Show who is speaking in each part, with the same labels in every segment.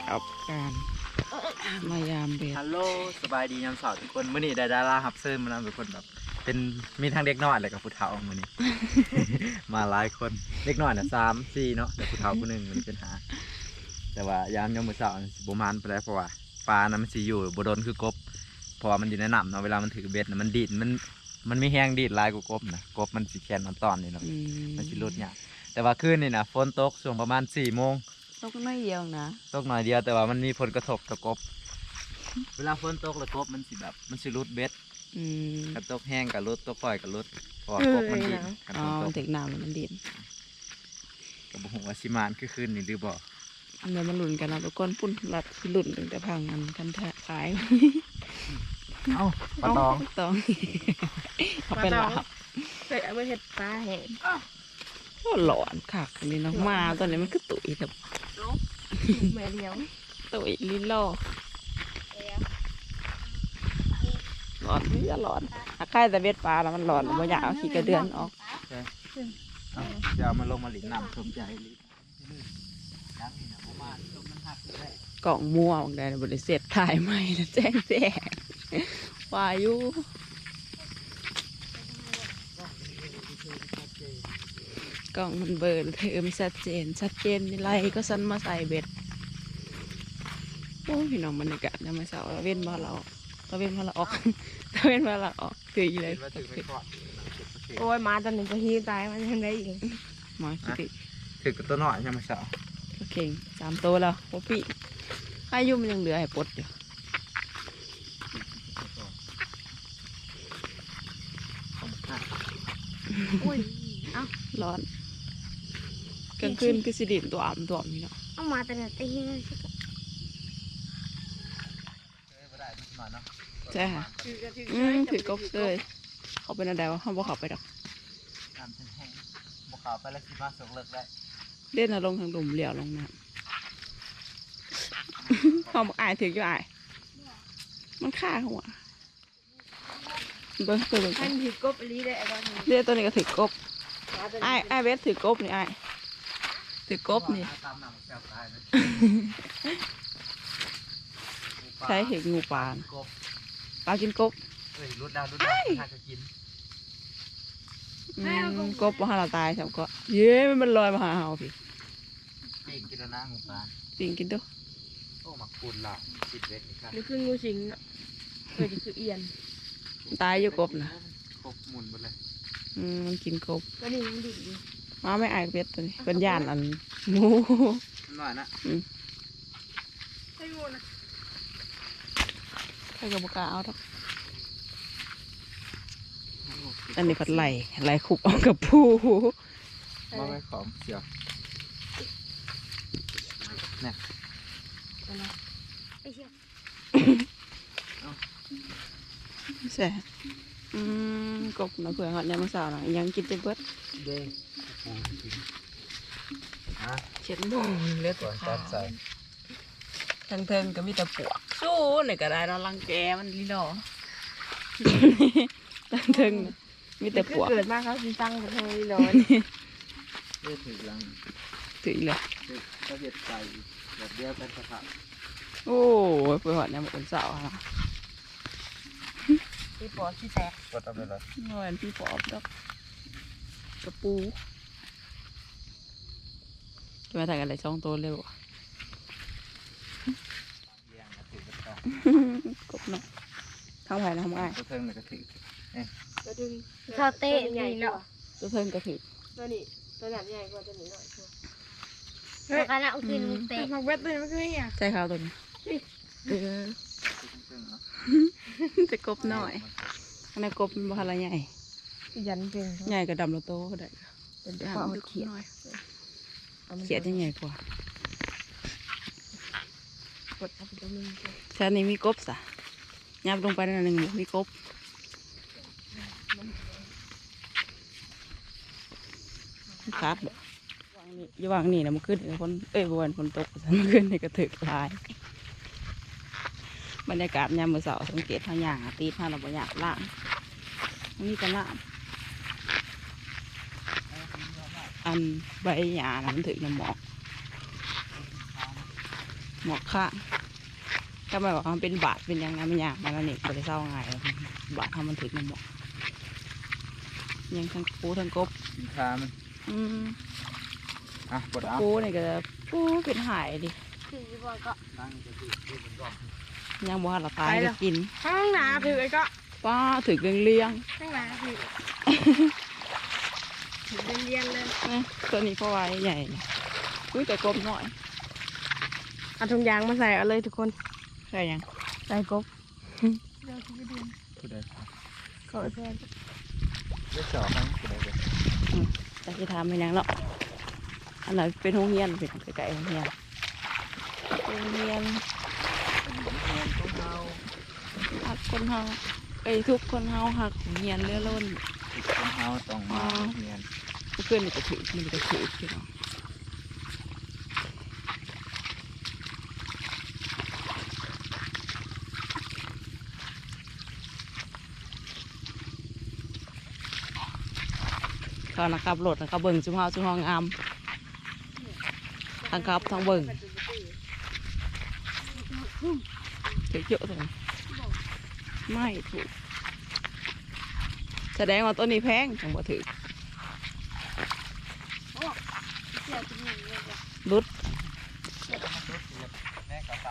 Speaker 1: กับการมายามเบ็ด
Speaker 2: ฮัลโหลสบายดียามเสาร์ทุกคนมื้อนี้ได้ดาราฮับเซิร์มานำทุกคนแบบเป็นมีทั้งเด็กน้อยและกับผู้เฒ่ามื้อนี้ มาหลายคนเด็กน้อยน่ะ3-4เนาะแต่ผู้เฒ่าผู้หนึงมันเป็นหาแต่ว่ายามมื้อเช้าสิบ่มานไปได้เพราะว่าปลานั้นมันสิอยู่บ่โดนคือกบเพราะว่ามันอยู่ในน้ำเนาะเวลามันถือเบ็ดน่ะมันดีดมันมีแฮงดีดหลายกว่ากบนะกบมันสิแขนตอนนี่เนาะมันสิหลุดยากแต่ว่าคืนนี่นะฝนตกช่วงประมาณ4 โมง
Speaker 1: ตกน้อยเดียวนะ
Speaker 2: ตกหน่อยเดียวแต่ว่ามันมีผลกระทบต่อกบเวลาฝนตกแล้วกบมันสิแบบมันสิรุดเบ็ดกับตกแห้งกับรุดตกปล่อยกับรุดเพราะว่ากบมันดินกับฝนตก
Speaker 1: ถึงน้ำมันดิน
Speaker 2: กับบุหัวชิมานคือคืนนี่หรือบ่
Speaker 1: เดี๋ยวมันหลุนกันนะทุกคนปุ่นหลัดหลุนตั้งแต่พังกันขาย
Speaker 2: เอ้าปลาตอง
Speaker 1: เขาเป็นหลับ
Speaker 3: เสร็จเอาไปเห็ดปลาแห้ง
Speaker 1: โอ้หลอนคักนี่น้องมาตอนนี้มันคือตุ๋ยแบบ
Speaker 3: แม่เลี้ยง
Speaker 1: ตุ๋ยลิ้นล่อหลอนนี่จะหลอนใครแต่เบ็ดปลาแล้วมันหลอนมันอยากเอาขี้กระเดือนออก
Speaker 2: เดี๋ยวมันลงมาหลินน้ำชมใจลิ
Speaker 1: กล่องมัวบางแดนบริเสธถ่ายใหม่แล้วแจ้งวายุกล่องมันเบิร์นเธอไม่ชัดเจนนี่ไรก็สั้นมาใส่เบ็ดโอ้พี่น้องบรรยากาศยังไม่เศร้าเราเว้นมาเราออกคืออีเลย
Speaker 3: โอ้ยมาตอนนี้ก็ฮีตายมันยังได้อีก
Speaker 1: มาคิด
Speaker 2: ถือกับตัวหน่อยใช่ไหมสาว
Speaker 1: โอเค3 ตัวแล้วโอ้ปีอายุมันยังเหลือให้ปลดอยู่
Speaker 3: อุ้ยเอ้า
Speaker 1: ร้อนกลางคืนคือสิดินตัวนี่เนาะ
Speaker 3: เอามาแต่เนี่ยตีเลย
Speaker 1: ใช่ค่ะถือกบเลยเขาเป็นอะไรวะเขาบอกเขาไปดอก
Speaker 2: น้ำแห้งบอกเขาไปแล้วคิดว่าสกเลิกได้
Speaker 1: เล่นลงทางดุ่มเหลี่ยวลงน้ำเขาบอกอายถืออยู่อายมันฆ่าหัวเบิ้งตัวนึง
Speaker 3: ท่านถือกบลีได้ไอ้บ้านนี้
Speaker 1: เรียกตัวนี้ก็ถือกบไอ้เวสถือกบนี่ไอ้ถือกบนี่ใช้เห็ดงูปลากินกบ
Speaker 2: รุดดาวน่าจะกิน
Speaker 1: กบว่าเราตายใช่ไหมก็เย้มันลอยมาหาเราพี่
Speaker 2: ปิ่งกินแล้วนะงูปลา
Speaker 1: ปิ่งกินด้วย
Speaker 2: โอ้หมักปูนละติดเวทนี่ครับ
Speaker 3: นี่คืองูสิงเนาะคือเอียน
Speaker 1: ตายอยู่กบนะ
Speaker 2: กบหมุนไปเลย
Speaker 1: มันกินกบ
Speaker 3: ก็นี่มันดิบอยู่
Speaker 1: มาไม่อายเป็ดตัวนี้เป็นย่านอันงู
Speaker 2: หน่อยนะ
Speaker 3: ให้งูนะ
Speaker 1: ใครกับบุกาเอาทักอันนี้ผัดไหลขุบออกกับผู้
Speaker 2: มาไม่ขอมเสียวเนี่ย
Speaker 1: แซ่กบนะเผื่อหอดยามสาวหน่อยยังกินเต็มเบิด
Speaker 2: เด้ง
Speaker 1: เช็ดมือเลือดขาดทั้งเทิงก็มีแต่ปวกสู้หน่อยก็ได้เราลังแกมันลีหล่อทั้งเทิงมีแต่ปวก
Speaker 3: เกิดมาเขาสิตั้งกันทำไมร้อน
Speaker 2: ถือลัง
Speaker 1: ถือเลย
Speaker 2: ก็เด็ดใจแบบเดียวกันสภาพ
Speaker 1: โอ้ยเผื่อหอดยามสาวนะ
Speaker 3: พี่ปอที่แตก
Speaker 2: กดเอาไปเลย
Speaker 1: เงินพี่ปอบดอกกระปูจะมาถ่ายกันอะไร2 ตัวเร็วกบเนาะทำไผ่ทำไง
Speaker 2: ตัวเทิงเลยก็ถือ
Speaker 3: ข้าวเต้ใหญ่เนาะ
Speaker 1: ตัวเทิงก็ถือ
Speaker 3: ตัวนี้ตัวหนักใหญ่กว่าตัวนี้หน่อยชัวร์การเอากินเตะมาเวทเลยไม่คือเนี่ย
Speaker 1: ใช่ข้าวตัวนี้จะกบหน่อยอันนี้กบมันบ้าละใหญ่
Speaker 3: ยันเป็น
Speaker 1: ใหญ่กับดำละโตก็ได้
Speaker 3: เป็นข้าวเขียด
Speaker 1: เขียดจะใหญ่กว่าชั้นนี้มีกบสะยับลงไปนั่นหนึ่งมีกบขาดแบบอยู่วางนี่นะมันขึ้นฝนวันฝนตกมันขึ้นในกระถึกลายบรรยากาศยามมื้อเช้าสังเกตทางอย่างตีทางเราบ่อยากล่างนี่ก็ล่างอันใบหญ้ามันถึงน้ำหมอกหมอกข้างก็หมายว่ามันเป็นบาดเป็นยังไงมันยากมันอันนี้บ่ได้เศร้าง่ายหรอกบาดทำมันถึงมันหมอกยังทั้งปูทั้งกบ
Speaker 2: ขามัน ปวดเอา
Speaker 1: ปูนี่ก็จะปูเป็นหายดิ
Speaker 3: คือบ่ก็
Speaker 1: ยังบ่ทันละตายก็กิน
Speaker 3: ห้องน้ำถือไอ้ก็
Speaker 1: ป้าถือเลี้ยง
Speaker 3: ห้องน้ำถือถือเรียนเลย
Speaker 1: ๆนะตัวนี้เพราะไว้ใหญ่นะอุ้ยแต่กบหน่อย
Speaker 3: เอาถุงยางมาใส่เอาเลยทุกคน
Speaker 1: ใช่ยัง
Speaker 3: ใส่กบเดี๋ยวที่จะเดือน
Speaker 2: ผู้ใด
Speaker 3: ขอเพื่อน
Speaker 2: เลือดสองครั้งผู้ใดเด้อ
Speaker 1: แต่ที่ทำเป็นยังเนาะอันไหนเป็นโรงเรียนเป็นไกลๆโรงเรียนหักคนเฮาทุกคนเฮาหักโรงเรียนเลื่อล้น
Speaker 2: คนเฮาต้องมาเรียน
Speaker 1: เพื่อนมันก็ถือพี่น้องเขานะครับโหลดนะครับเบิ่งจุ่มเฮางามทั้งครับทั้งเบิ่งถือเยอะเลยไม่ถูกแสดงว่าต้นนี้แพงจังบ่ถือรุด
Speaker 2: แม่กระสาน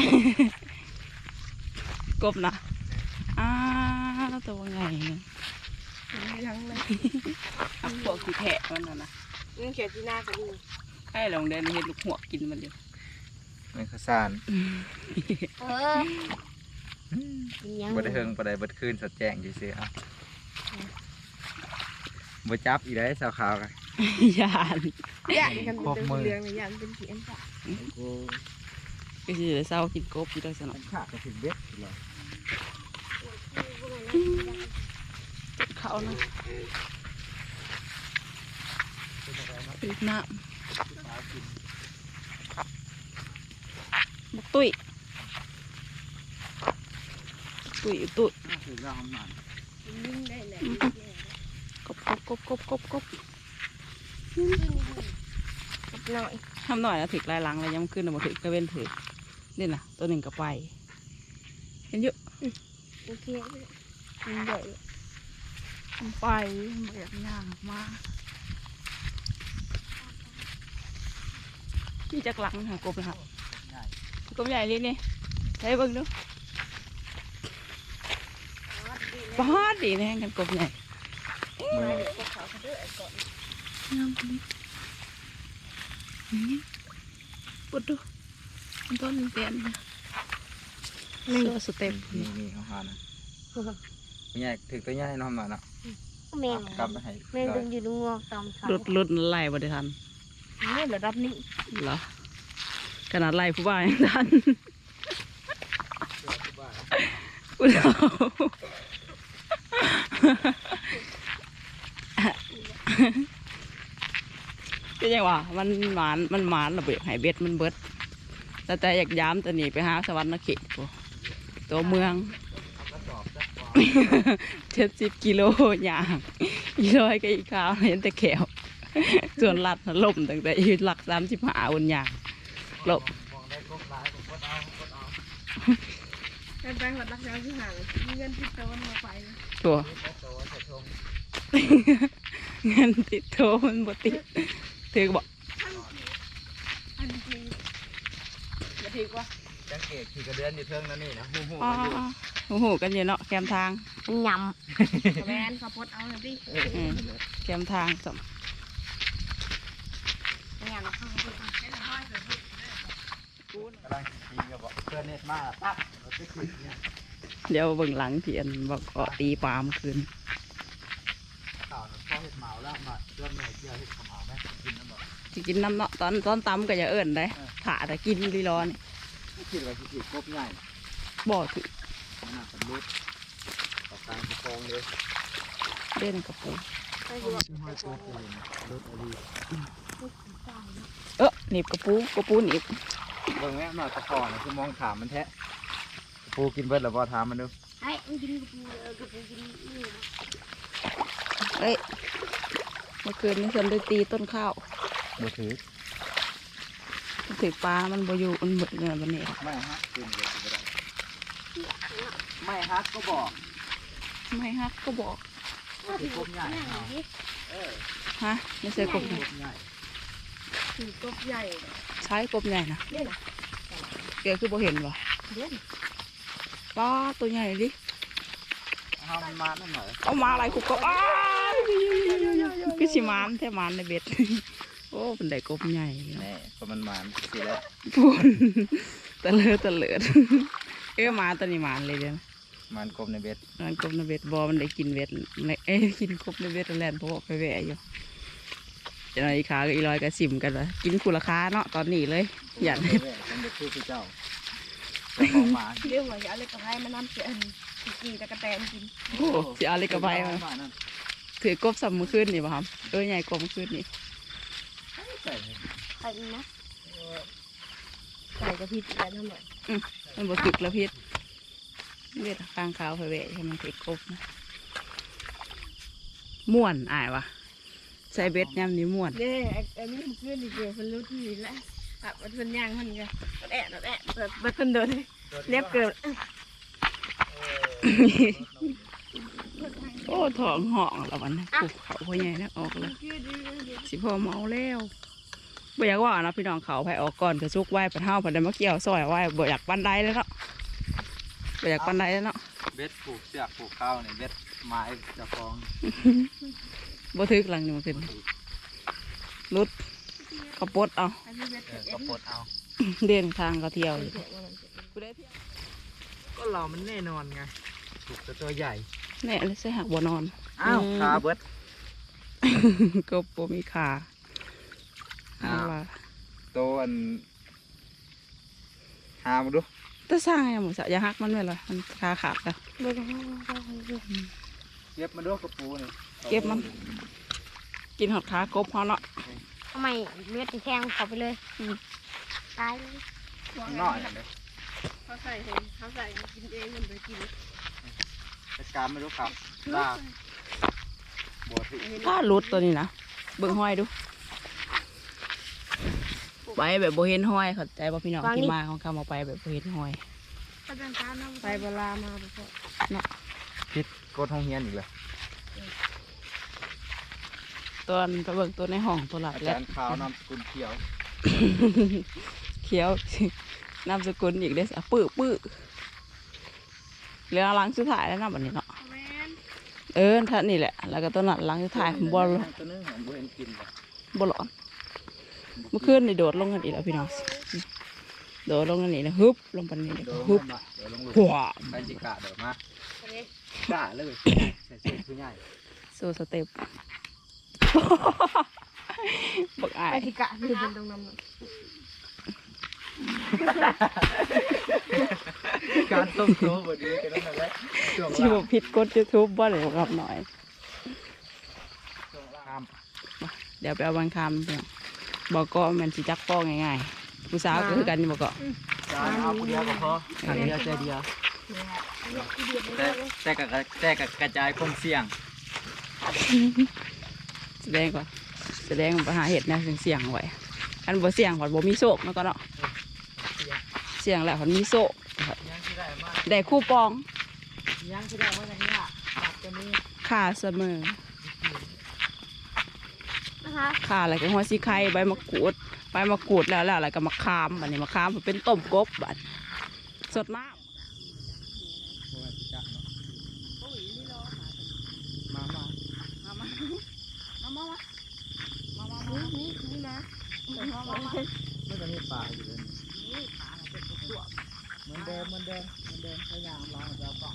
Speaker 1: กบนะตัวไงเนี่ย
Speaker 3: ยังเลย
Speaker 1: พวกที่แทะมันนะ
Speaker 3: นี่เขียนที่หน้าก็ดี
Speaker 1: ให้ลองเดินเห็นลูกหัวกินมันเดียว
Speaker 2: แม่กระสาน
Speaker 3: ยัง
Speaker 2: บ่ได้เฮิงบ่ได้เบิดคืนสดแจ้งซื่อๆเอาบ่จับอีได้สาวขาวกัน
Speaker 1: ยาน
Speaker 3: อยากกันเป็นเรื่องเลยอยากเป็นเขียนจ้ะ
Speaker 1: ก็คือเศร้ากินกบอยู่ได้สนอง
Speaker 2: ขาดก็ถึงเบ็ดเลย
Speaker 1: เขานะติดน้ำบุกตุ้ยตุ้ย
Speaker 2: ถึงแล้วหอมหนาน
Speaker 3: ยิ่งได้เลย
Speaker 1: กบ
Speaker 3: หน่อย
Speaker 1: ทำหน่อยนะถึกลายหลังเลยยังขึ้นมาถึกกระเว้นถึกนี่นะตัวหนึ่งก็ไปเห็นเยอะ
Speaker 3: โอเคยิ่งใหญ่
Speaker 1: ไปแบบย่างมานี่จากหลังหากบนะครับกบใหญ่เลยนี่ใช้เบิ่งดูป้าดดีแน่กันกบใหญ่งามเลยนี่ปุดดูต้นเตียนนี่สเต็ป
Speaker 2: นี่เขาหานะใหญ่ถึงตัวใหญ่น้องหน่อยนะ
Speaker 3: แมง
Speaker 2: กลับไปให้
Speaker 3: แมงดึงอยู่ตรงงอตอมขา
Speaker 1: ลุดไล่บ่ได้ทัน
Speaker 3: นี่ระดับนี้
Speaker 1: เหรอขนาดไล่ผู้บ่าวยังทันอุดเอาก็ยังว่ามันหมานระเบิดหายเบ็ดมันเบิดแต่อยากย้ำตัวนี้ไปหาสวรรค์นเขตตัวเมือง 70 กิโลอย่าง100ก็อีกข้าวเห็นแต่แขวส่วนลัดล่มตั้งแต่อีหลัก35อุ่นอย่างลบ
Speaker 3: การแปลงหลักรักแล้วที่ห่างเงินที่โตนมาไป
Speaker 1: ตัว เงินติดโทรมันบ่ติดถือบอก
Speaker 3: อันนี้อย่าถือว่า
Speaker 2: จังเกตขี่กระเดือนอยู่เทิงนั่นนี่นะหูหู
Speaker 1: อ๋อ
Speaker 2: มันอยู่
Speaker 1: โอ้โหกันอยู่เนาะแคมทาง
Speaker 3: ยำแมนขับรถเอาเลยพี่
Speaker 1: แคมทางสม
Speaker 3: งานเข้าไป
Speaker 2: กำลังขี่กับบอกเพื่อนเน็ตมาปั๊บเราไปขี่เนี่ย
Speaker 1: เดี๋ยวเบิ่งหลังเทียนบอกเกาะตีปลามคืน
Speaker 2: ข่าวน่ะพ่อเห็ดเหมาแล้วมาเพื่อนแม่เกี่ยวเห็ดขมเหมาไหมกินน้ำบอก
Speaker 1: สิกินน้ำเนาะตอนตำก็อย่าเอิ้นได้ถ่าแต่กินดีร้อน
Speaker 2: คิดว่าขี่กบง่าย
Speaker 1: บ่ถือ
Speaker 2: หน้าสำรุดต่อการประคองเลย
Speaker 1: เล่นกระปู
Speaker 2: ห้อยตัวเลยนะรถอะไร
Speaker 1: หนีบกระปูหนีบ
Speaker 2: เบิ่งแม่มาตะคอนะคือมองถามมันแท้ปูกินเบิดหรือบ่ถามมันดู
Speaker 3: ไอ้มันกินกระปูกินนี่
Speaker 1: เอ้ยเมื่อคืนนี้ฉันได้ตีต้นข้าว
Speaker 2: บ่ถือ
Speaker 1: ถือปลามันบ่อยู่มันเบิดเลยวันนี้
Speaker 2: ไม่ฮักกินเลยก็ได้ไม่ฮักก็บอก
Speaker 1: ไม่ฮักก็บอก
Speaker 2: ถือกบใหญ่เอาเออ
Speaker 1: ฮะไม่ใช่กบใหญ่
Speaker 2: กบใหญ่
Speaker 3: ถือกบใหญ่
Speaker 1: ใช้กบใหญ่นะ
Speaker 3: เด่น
Speaker 1: เกลือคือบ่เห็นวะ
Speaker 3: เด่น
Speaker 1: ปลาตัวใหญ่ดิ
Speaker 2: เอามันมาหน่อย
Speaker 1: เอามาอะไรกูก็อ้าวคือสิมานแท้มานในเบ็ด โอ้เป็นได้กบใหญ่
Speaker 2: แน่ก็มันมาสิแล้ว
Speaker 1: พูนตะเลิดตะเลิดมาตัวนี้มานเลยเดี๋ยวนะ
Speaker 2: มันกบในเบ็ด
Speaker 1: มันกบในเบ็ดบอมันได้กินเบ็ดกินกบในเบ็ดแล่นเพราะว่าไปแหวะอยู่จะนอนอีขากับอีลอยกับสิมกันวะกินคูราคาเนาะตอนนี้เลยอย่า
Speaker 2: เบ็ดมันจะคือเจ้าเจ้าของหมา
Speaker 3: เรื่องว่าอย่าเอาเลยกับให้มันน้ำเสียนกี่ตะกะแตนกิน
Speaker 1: โอ้สิเอาเลยกับไปมา
Speaker 2: นั่น
Speaker 1: ถือกบสัมมือขึ้นนี่ป่ะครับใหญ่กบมือขึ้นนี่
Speaker 2: ใส่
Speaker 3: ใส่นะใส่กระพริบแล้วน้ำหน่อย
Speaker 1: มันบ่ถึกแล้วพิษเบ็ดกลางขาวไปแหวะให้มันถือกบนะม่วนอายวะใส่เบ็ดยำนี้ม่วน
Speaker 3: เด้อันนี้มันขึ้นอีกเดียวมันรู้ที่นี่แหละแบบมันเป็นย่างมันไงมันแอะเปิดมันเดินเรียบเกิน
Speaker 1: โอ้ท้องห่องแล้ววันนะปลูกเขาพ่อใหญ่นะออกแล้วสิพ่อเมาแล้วบ่อยากว่านะพี่น้องเขาไปออกก่อนกระซุกไหวปะเท่าปะเดมาเกี่ยวซอยไหวบ่อยากปันไดแล้วเนาะบ่อยากปันไดแล้วเนาะ
Speaker 2: เบ็ดผูกเสือกผูกข้าวเนี่ยเบ็ดไม้จะฟอง
Speaker 1: บ่ทึกหลังนี่มันขึ้นรุดกระปดเอา
Speaker 2: ก็ปลดเอา
Speaker 1: เดินทางก็เที่ยวอยู่
Speaker 2: ก็เรามันแน่นอนไงถูกตัวใหญ่
Speaker 1: แน่เลยใส่หักบ่นอน
Speaker 2: อ้าวขาเบิด
Speaker 1: ก็บ่มีขาเอาล่ะ
Speaker 2: ตัวอันหามาดู
Speaker 1: ถ้าสร้างอย่างหมูสะอย่าหักมันไว้เลยมันขาขาดแล้ว
Speaker 3: ไม่ต้อง
Speaker 2: เก็บมาดูกระปูนี่
Speaker 1: เก็บมันกินหอดขากบเขาเนาะ
Speaker 3: ทำไมเลือดแทงเขาไปเลยตายเลย
Speaker 2: มันน้อยเลย
Speaker 3: เขาใส่กินเองมันไปกิน
Speaker 2: จัดการไม่รู้ครับลากบัวถึง
Speaker 1: ถ้ารุดตัวนี้นะเบิ่งห้อยดูไปแบบโบเห็นห้อยเข้าใจป่ะพี่น้องที่มาของเขามาไปแบบโบเห็นห้อย
Speaker 3: ไปเวลามาไปพอ
Speaker 2: พิษกดห้องเฮียนอีกเลย
Speaker 1: ตัวนั้นไปเบิ่งตัวในห้องตัวหลาย
Speaker 2: อา
Speaker 1: แล้
Speaker 2: จาว รย์ขาวนำสกุลเขียว
Speaker 1: เขียว นามสกุลอีกเด้อปื้อเหลือหลังสุดท้ายแล้วนะบัดนี้เนาะท่านนี่แหละแล้วก็ตัวนั้นหลังสุดท้ายบอล
Speaker 2: ตัวนึงของบัวเห็นกินเลย
Speaker 1: บอลอนเมื่อคืนนี่โดดลงกันอีกแล้วพี่น้องโดดลงกันนี่นะฮึบลงไปนี่
Speaker 2: เดี๋ยว
Speaker 1: ฮึบ
Speaker 2: เดี๋ยวลงหลุม
Speaker 1: หัว
Speaker 2: ไปจิกะเดี๋ยวมาด่าเลยใส่เสื้อผู้ใหญ่
Speaker 1: โซสเต็ป บักอาย
Speaker 3: ไปที่กะที่เป็นตรงนั้น
Speaker 2: การต้มโต๊ะวันนี้กันนั่นแหละช่วง
Speaker 1: ที่บ
Speaker 2: ล่า
Speaker 1: อกผิดกดยูทูบบ่เลยรับหน่อย
Speaker 2: ข้าม
Speaker 1: เดี๋ยวไปเอาบางคำพี่น้องบอกก็มันสิจักป้อง่ายๆผู้สาวก็คือกันนี่บอกก็
Speaker 2: จานเอาคนเดียวก็พออันเดียวใจเดียวแต่กับกระจายความเสี่ยง
Speaker 1: แสดงก่อนแสดงปัญหาเหตุนะเสี่ยงไว้อันบ่เสี่ยงผ่อนบ่มีโชคแล้วก็เนาะเสี่ยงแหละผ่อนมีโชค
Speaker 2: ยังที่ได้มา
Speaker 1: ได้คู่ปอง
Speaker 2: ยังที่ได้มาอย่างนี้ตัดตัวนี้
Speaker 1: ค่าเสมอ
Speaker 3: นะคะ
Speaker 1: ค่าอะไรก็หัวซีไข่ใบมะกรูดแล้วอะไรก็มะขามบัดนี้มะขามมันเป็นต้มกบบัดสดน้ำ
Speaker 2: มา
Speaker 3: นี่นะ
Speaker 2: ไม่จะมีป่าอยู่เลยเหมือนเดิมพยายามลองแล้วก็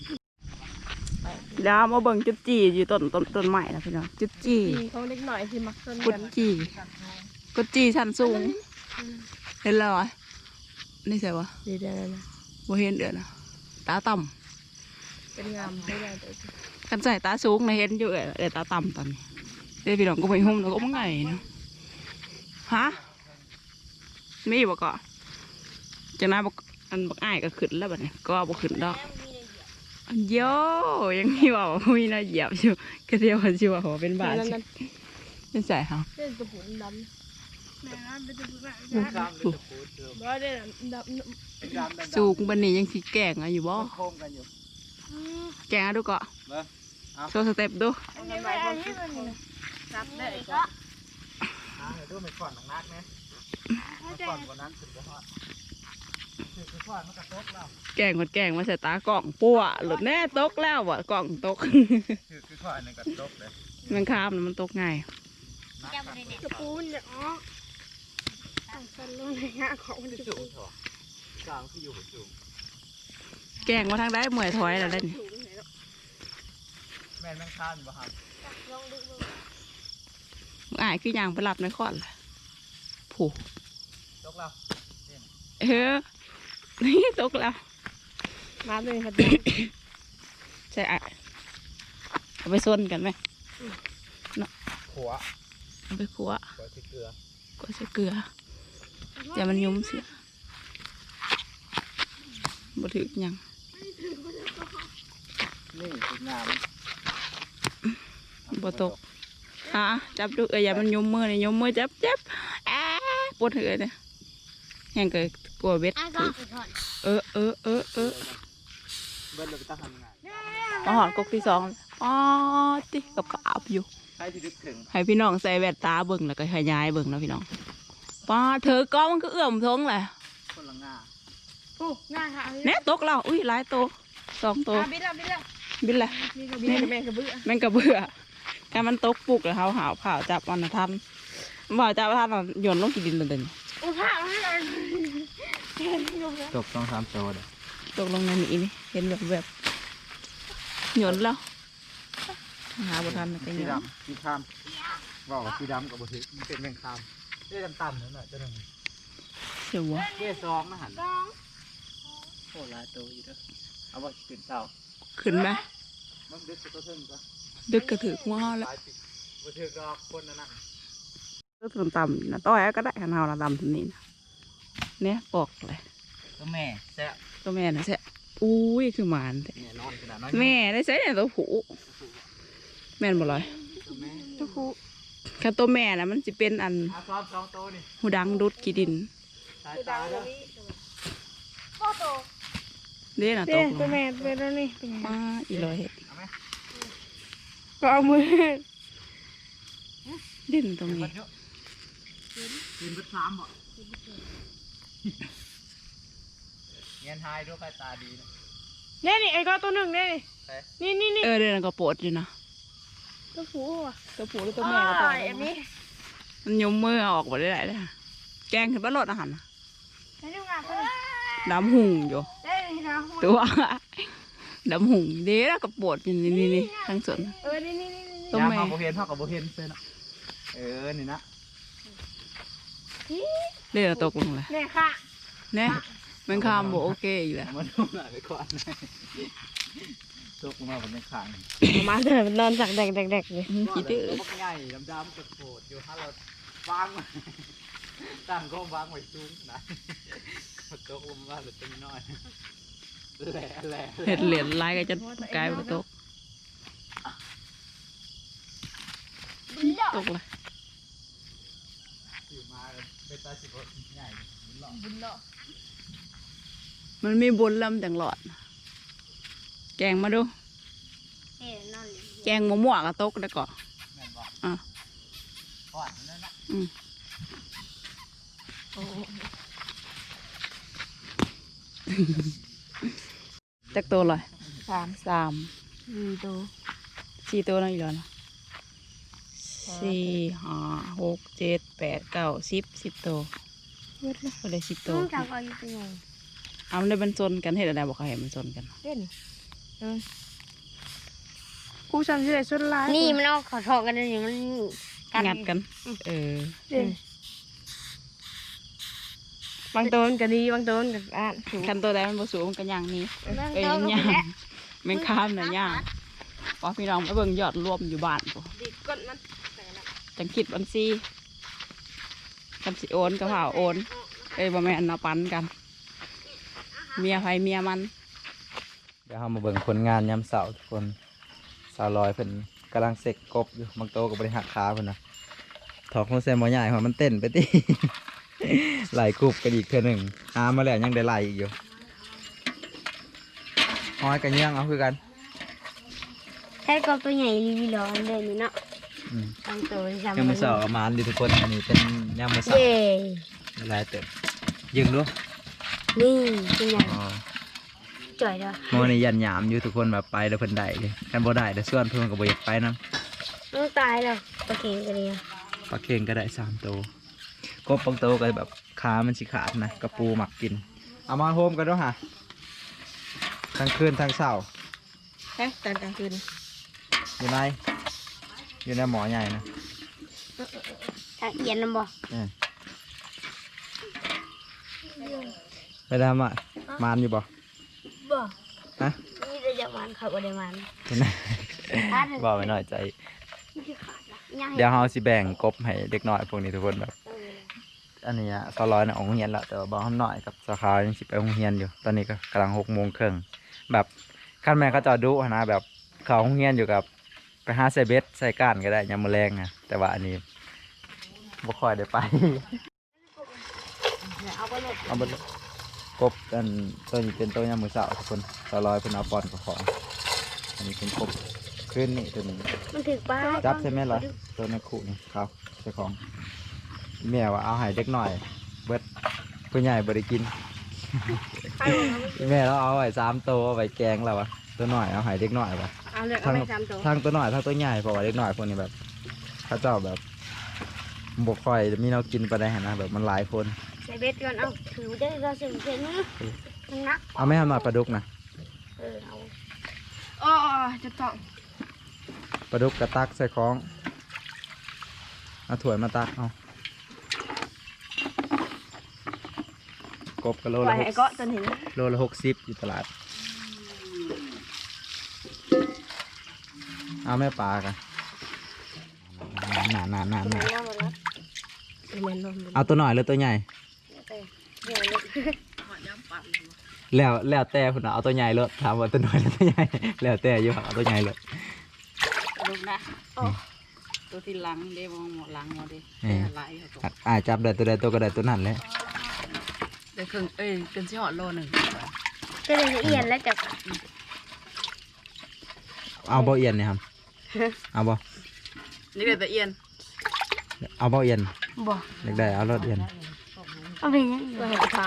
Speaker 1: แล้วมาเบิ่งจุดจีอยู่ต้นใหม่นะพี่น้องจุดจี
Speaker 3: เขาเล็กหน่อยที่มักเส้น
Speaker 1: กุ
Speaker 3: กั
Speaker 1: ด
Speaker 3: น
Speaker 1: จีกุดจีชั้นสูงเห็นแล้วเหรอนี่ใช่ปะ
Speaker 3: ดีได้เลยนะ
Speaker 1: บ่เห็นเดือนนะตาต่
Speaker 3: เป็นงามไม่ได้แต่
Speaker 1: ำกันใส่ตาสูงนะเห็นอยู่เดี๋ยวตาต่ำตอนนี้เดี๋ยวพี่น้องก็ไปหุ้มแล้วก็มันไงเนาะฮะมีบ่ก็จะน่าบอกอันบักอ้ายก็ขึ้นแล้วบัดนี้ก็บ่ขึ้นดอกอันโยยังมีว่ามีน่าเหยียบอยู่ก็เดียวกันชิว่าเป็นบาทเป็นใส่ค่ะ
Speaker 3: เส้นกระปุกดแม่น้ำเป็นตัวแบบ
Speaker 2: ดำเป็นตะปูเดิม
Speaker 3: บ่ได้ดับ
Speaker 2: เป็นดำดำ
Speaker 1: สูงบันนี้ยังสิแกงอะอยู่บ่
Speaker 2: โค้งกันอยู่
Speaker 1: แกงอะดูเกาะ
Speaker 2: เบิ้ง
Speaker 1: โชว์สเต็ปดู
Speaker 3: อันนี้ไม่อันนี้มันรับได้ก็
Speaker 2: เดี๋ยวดูไปก่อนนักๆนะก่อนวันนั้นสุดยอดคือก่อนมันกระทบแล้ว
Speaker 1: แกงหมดแกงมาใส่ตากล่องปัวหลุดแน่ตกแล้วว่ะกล่องตก
Speaker 2: คือก่อนนึงกระทบเลย
Speaker 1: มันข้ามน่ะมันตกง่าย
Speaker 3: กระปูนเนี่ยอ๋อตั้งสันลงในงาของมันจะ
Speaker 2: สูงเถอะกลางที่อยู่สูง
Speaker 1: แกงมาทางได้เมื่อยถอยแล้วได้นี่
Speaker 2: แม่นแม่งข้ามบ่ครับ
Speaker 3: ลองดู
Speaker 1: อ้ายคือย่างไปหลับในคอนล่ะผู้
Speaker 2: ตกแล้ว
Speaker 1: นี่ตกแล้ว
Speaker 3: มาเลยครับ
Speaker 1: ใช่อ่ะเอาไปส้นกันไหม
Speaker 2: หัว
Speaker 1: เอาไปคั่ว
Speaker 2: หัวที่เกลือ
Speaker 1: ก็ใส่เกลืออย่ามันยุ่มเสียบ่ถึกหยัง
Speaker 2: นี่คืองาม
Speaker 1: บ่ตกฮะจับดูอย่ามันยุ่มมือนี่ยุ่มมือจับปวดหัวเนี่ยแห้งเกิดกลัวเบ็ดถึกเออ
Speaker 2: เบิ้ลเลยไปตั้งทำงาน
Speaker 1: มาหอดกกที่สองอ๋อติกับกาบอยู่
Speaker 2: ใครที่นึกถึง
Speaker 1: ให้พี่น้องใส่แว่นตาเบิ่งแล้วก็ขยายเบิ่งแล้วพี่น้องป้าเธอก็มันก็เอื้อมทงแหละ
Speaker 2: คนละงา
Speaker 3: โอ้ง่ายค่ะ
Speaker 1: เนี่ยตกแล้วอุ้ยหลายโต2 โต
Speaker 3: บิดละ
Speaker 1: บินแหละ
Speaker 3: นี่ก็บิดแม่กระเบื้อ
Speaker 1: แม่งกระเบื่อการมันตกปุกแล้วเขาหาวผ่าจับมันนะทันบ่าจับทันน่ะโยนลงกี่ดินเลย
Speaker 3: โอ้ผ้าให้เรา
Speaker 2: ตกต้อง3 ตัวเลย
Speaker 1: ตกลงในนี้นี่เห็นแบบโยนแล้วหาบ่ทันไป
Speaker 2: สี
Speaker 1: โยน
Speaker 2: ดำสีคามบอกว่าสีดำกับบุตรมันเป็นแมงคามเรียกต่ำๆนั่นแหละจะหนึ่ง
Speaker 1: เสียวะ
Speaker 2: เรียกซองนะหันโอ้ลายตัวอยู่เด้อเอาว่าขึ้นเสา
Speaker 1: ขึ้นไหม
Speaker 2: มันดึกตัวเทิงก็
Speaker 1: ดึกกระถือหัวเฮาแล้ว
Speaker 2: ลายปิดบุตรรอคนนั่นน่ะ
Speaker 1: ก็ต่ำๆนะต้อยก็ได้ขนาดเราต่ำทีนี้นะเนี่ยปอกเลย
Speaker 2: ตัวแม่แซ่บ
Speaker 1: ตัวแม่นะแซ่อุ้ยคือหมานแท้
Speaker 2: เนี่ยนอนขนาดน้อย
Speaker 1: แม่ได้ใช้เนี่ยตัวผูแม่นบ่ลอย
Speaker 2: ตัวแม่
Speaker 3: ทุกคู่
Speaker 1: คันตัวแม่นะมันจะเป็นอัน
Speaker 2: ซ้อม2 ตัวนี่
Speaker 1: หูดังดุดกีดิน
Speaker 2: สายตาเด้อ
Speaker 3: พ่อโต
Speaker 1: เด้นะต
Speaker 3: เด้
Speaker 1: กล
Speaker 3: ตัว
Speaker 1: ง
Speaker 3: แม่เป็นแล้วนี่
Speaker 1: มาอีลอยเห็ด
Speaker 2: เอาไหม
Speaker 3: ก็เอามือ
Speaker 1: ดิ้นตรง
Speaker 2: เบิ
Speaker 1: นี้
Speaker 2: ดเยอะกินเบิดซ้ำบ่เงี้ยทายด้วยใครตาดีนะ
Speaker 3: เนี่ยนี่ไอ้ก็ตัวหนึ่งเนี่ย
Speaker 2: ใช่
Speaker 3: นี่
Speaker 1: เเดี๋ยวนั้นก็ปวดอยู่นะ
Speaker 3: ตัวผู้อ่ะ
Speaker 1: ตัวผูหรือตัวแม่ก็ปวด
Speaker 3: อันนี้
Speaker 1: มันยมมือเอาออกหมดได้เลยนะแกงขึ้นบ้านรถอาหารนะ
Speaker 3: ให้ดูงานตัว
Speaker 1: ดำหุ่งอยู่
Speaker 3: ได้นะ
Speaker 1: ตัวดำหุ่งเด้แล้วก็ปวดอยู่นี่ทั้งส่วน
Speaker 3: นี่
Speaker 1: ตัวแม่
Speaker 2: ยามเอาโบเห็นเท่ากับโบเห็นเส้นอะนี่นะ
Speaker 1: เด้แล้วตกลงเลย
Speaker 3: เนี่ยค่ะ
Speaker 1: เนี่ยมันข้ามโบโอเคอยู่แล้ว
Speaker 2: มาดูหน่อยไปก่อนตกลงมาบนในขาง
Speaker 3: มาเถอะนอนจากแดกเลย
Speaker 1: คิดดื้อ
Speaker 2: ตัวใหญ่ดำๆกระโดดอยู่ถ้าเราวางไว้ตั้งก็วางไว้สูงนะตกลงมาเหลือตัวน้อยแหล่
Speaker 1: เห็ดเหรียญลายก็จะกลายเป็นตกตกเลย
Speaker 2: อยู่มาเป็นตาสิบใหญ่บุญหล่อ
Speaker 1: มันมีบุญลำจังหลอด แกงมาดู แกงมั่วๆก็ตกได้ก่อน
Speaker 2: แม่นบอก
Speaker 1: อ่ะ
Speaker 2: ก่อนนั่นนะ
Speaker 1: จักตัวเลย
Speaker 3: 3
Speaker 1: 3
Speaker 3: 4ตัว
Speaker 1: 4ตัวนั่นอีกแล้วนะ4 5 6 7 8 9 10ตัว
Speaker 3: เยอะเลย
Speaker 1: ก็ได้10ตัว
Speaker 3: จากอายุเป็นไง
Speaker 1: เอามันได้มันซนกันเห็นอะไรบอกเขาเห็นมันซนกัน
Speaker 3: เล่นกูจำชื่อชุดลาย
Speaker 4: นี่มันเอาขอทองกันนี่มัน
Speaker 1: งัดกัน เออ
Speaker 3: บางตัวมันก็ดีบางตัวมันก็อ่าน
Speaker 1: คันตัวใดมันบ่สูงมันก็ย่างหนี้
Speaker 4: มัน
Speaker 1: เอ้ย
Speaker 4: โตลง
Speaker 1: ย่า
Speaker 4: ไปแล้ว
Speaker 1: งแมงข้ามน่ะย่างพอพี่น้องไปเบิ่งยอดรวมอยู่บ้านปุ๊
Speaker 3: ดีก้นมัน
Speaker 1: จังคิดบัญชีกันสิโอนก็เผาโอนเอ้ยบ่แม่นเอาปันกัน เมียไผเมียมัน
Speaker 2: เดี๋ยวเรามาเบิ่งผลงานยามเสาร์ทุกคนสาวลอยเพิ่นกำลังเสกกบอยู่บางโตกับบริหารขาเพิ่นนะถอกลงใส่หม้อใหญ่ของมันเต้นไปติ ไหลกรุบกันอีกเทื่อหนึ่งหามาแล้วยังได้ไหลอีกอยู่ห้อยกันยังเอาคือกัน
Speaker 3: แค่กบตัวใหญ่ลีร้อนเลยนี่เนาะ
Speaker 2: อืม
Speaker 3: ตั้งตัวจำ
Speaker 2: ยังมือสองมานดีทุกคนอันนี้เป็นยังมือสอง
Speaker 3: เย่
Speaker 2: หลายเติมยิงดู
Speaker 3: นี่เป็นไง
Speaker 2: อ๋อ
Speaker 3: จ่อยเด้อ
Speaker 2: หม้อนี่ยันหยามอยู่ทุกคนแบบไปแล้วเพิ่นได้เลยกันบ่ได้แต่ส่วนเพิ่นก็บ่อยากไปนํ
Speaker 3: ต้องตายแล้วตะเกียงกันเลย
Speaker 2: ปลาเค็งก็ได้3ตัวกบบางตัวก็แบบขามันสิขาดนะกระปูหมักกินเอามาโฮมกันด้วยฮะทั้งคืนทั้งเช้า
Speaker 3: แค่ตอนกลางคืน
Speaker 2: อยู่ในหมอใหญ่นะ
Speaker 3: ทางเอียนลำบ่
Speaker 2: ไปทำอ่ะมานอยู่บ่
Speaker 3: บ่
Speaker 2: ฮะ
Speaker 3: นี่จะจะมันเขาบ่ได้มัน
Speaker 2: เห็นไหมบอกไปหน่อยใจ
Speaker 3: นี่คือขาดละย่าง
Speaker 2: เดี๋ยวเราสิแบ่งกบให้เด็กน้อยพวกนี้ทุกคนแบบ อันนี้อ่ะสร้อยนะออกโรงเรียนแล้วแต่ว่าบอกเขาหน่อยกับสาขายังสิไปโรงเรียนอยู่ ตอนนี้ก็กำลัง6:30แบบขั้นแม่เขาจะดุนะแบบเขาโรงเรียนอยู่กับไปหาใส่เบ็ดใส่ก้านก็ได้ยามมื้อแรงนะแต่ว่าอันนี้บ่ค่อยได้ไป
Speaker 3: เอาไปเลย
Speaker 2: เอาไปเลยกบกันตัวนี้เป็นตัวยามมื้อเช้าทุกคนสร้อยเพิ่นเอาปอนกับของ อันนี้เป็นกบขึ้นนี่ตัวนี้
Speaker 3: มันถึกป้า
Speaker 2: จับใช่ไหมล่ะตัวในขู่นี่ครับเจ้าของแม่ว่าเอาให้เด็กหน่อย เบิดผู้ใหญ่บ่ได้กิน แม่เราเอาไว้3ตัวเอาไว้แกงแล้ววะตัวหน่อยเอาให้เด็กหน่อยวะ
Speaker 3: เอาเลยเอาไป3ตัว
Speaker 2: ทั้งตัวหน่อยทั้งตัวใหญ่เพราะว่าเด็กหน่อยพวกนี้แบบเขาเจ้าแบบบกค่อยมีเรากินไปได้นะแบบมันหลายคน
Speaker 3: ใส่เบ็ดก่อนเอาถือได้ก็สิ่งเช่นนี้มันนัก
Speaker 2: เอาไม่ทำหน่อยปลาดุกนะ
Speaker 3: เอาอ๋อจะต้อง
Speaker 2: ปลาดุกกระตักใส่ของเอาถ้วยมาตักเอากบกะโล
Speaker 3: ปล่
Speaker 2: ละ
Speaker 3: อยให้เก็จนเห็น
Speaker 2: โลละ60อยู่ตลาดเอาแม่ปลากันนานเอาตัวหน่อยหรือตัวใหญ่แล้วแต่คุณเอาตัวใหญ่เลยถามว่าตัวหน่อยหรือตัวใหญ่แล้วแต่อยู่เอาตัวใหญ่เลย
Speaker 1: ลูกนะตัวที่หลังเด้มองหมดหลังหมดเด้ลายเขาตัว
Speaker 2: จับได้ตัวใดตัวก็ได้ตัวนั้นเลย
Speaker 1: ได้ครึ่งเกินสิหอดโลหนึ่ง
Speaker 3: ก็เลยเอียนแล้วจับ
Speaker 2: เอาเบาเอียนเนี่ยครับเอาบ่
Speaker 1: นี่เป็นตะเอียน
Speaker 2: เอาเบาเอียน
Speaker 3: บ่
Speaker 2: เล็กได้เอารถเอียน
Speaker 3: เอาไปยังตัวให้เท้า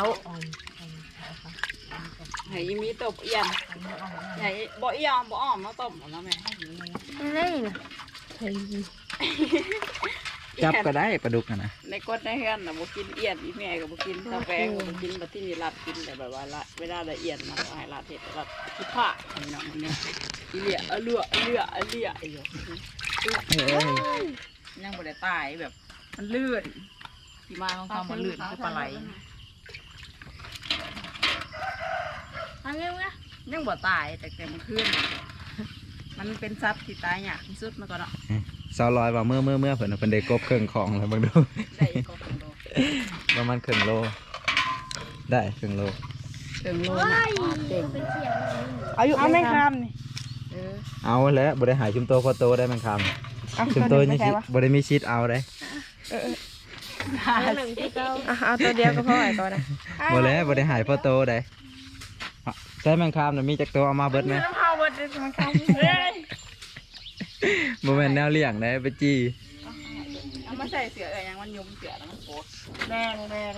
Speaker 1: ให้มีตบเอียนใหญ่บ่เอียนบ่อ้อมมาตบหมดแล้วแม่
Speaker 3: อะไรนะ
Speaker 2: จับก็ได้ปลาดุกนะ
Speaker 1: ในกดในเฮือนน่ะบ่กินเอียนอีแม่ก็บ่กินกาแฟก็บ่กินบัดที่นี่รัดกินแต่แบบว่าละเวลาละเอียดมาก็ให้รัดเฮ็ดรัดคิดผ้าพี่น้องมันเนี่ยอีเหลี่ยเลืออยู่ยังบ่ได้ตายแบบมันลื่นที่มาของเขามันลื่นคือปลาไหลอันนี้นะยังบ่ตายแต่มันขึ้นมันเป็นสัตว์ที่ตายยากที่สุดมาก่อนเนาะ
Speaker 2: 200ว่าเมื่อเพิ่นเอาเพิ่นได้กบเครื่องของแล้วเบิ่งดู
Speaker 1: ได้ก็ครึ่งโล
Speaker 2: ประมาณครึ่งโลได้ครึ่งโล
Speaker 1: ครึ่งโลนะเก่ง
Speaker 3: เอาไม่คำนี่
Speaker 2: เอาแล้วบ่ได้หายชุมโตพอโตได้แม่งคำชุมโตนี่สิบ่ได้มีชีตเอาได้
Speaker 3: เอาตัวเดียวก็พอไอ้ตัวนะ
Speaker 2: บ่แล้วบ่ได้หายพอโตได้ใช่แม่งคำน่ะมีจักตัวเอามาเบิดไหม
Speaker 3: น้ำเผาเบิดเลยมันคำ
Speaker 2: บ่แม่นแนวเลี้ยงได้ไปจี้
Speaker 1: เอามาใส่เสืออะไรยังมันยุมเสือแล้วมันโคตร
Speaker 3: แดง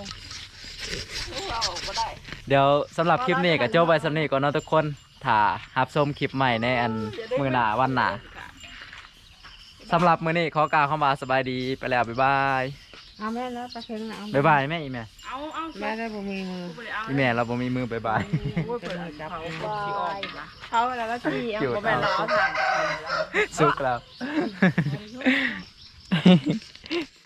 Speaker 1: เราก็ได้
Speaker 2: เดี๋ยวสำหรับคลิปนี้ก็จบไว้สำนี้ก่อนเนาะทุกคนถ้ารับชมคลิปใหม่ในอันมื้อหน้าวันหน้าสำหรับมื้อนี้ขอกล่าวคำว่าสบายดีไปแล้วบ๊ายบาย
Speaker 3: เอาแม่แล้วตะเคียงนะ
Speaker 2: บ๊ายบายแม่อีแม่
Speaker 1: เอา
Speaker 3: แม่ได้บ่มีมือ
Speaker 2: อีแม่เราบ่มีมือบ๊ายบาย
Speaker 1: เปิดเขาที่ออก
Speaker 3: เขาแล้วก็ที่เอาบ่แม่นเราเอาถ่าน
Speaker 2: สุกแล้ว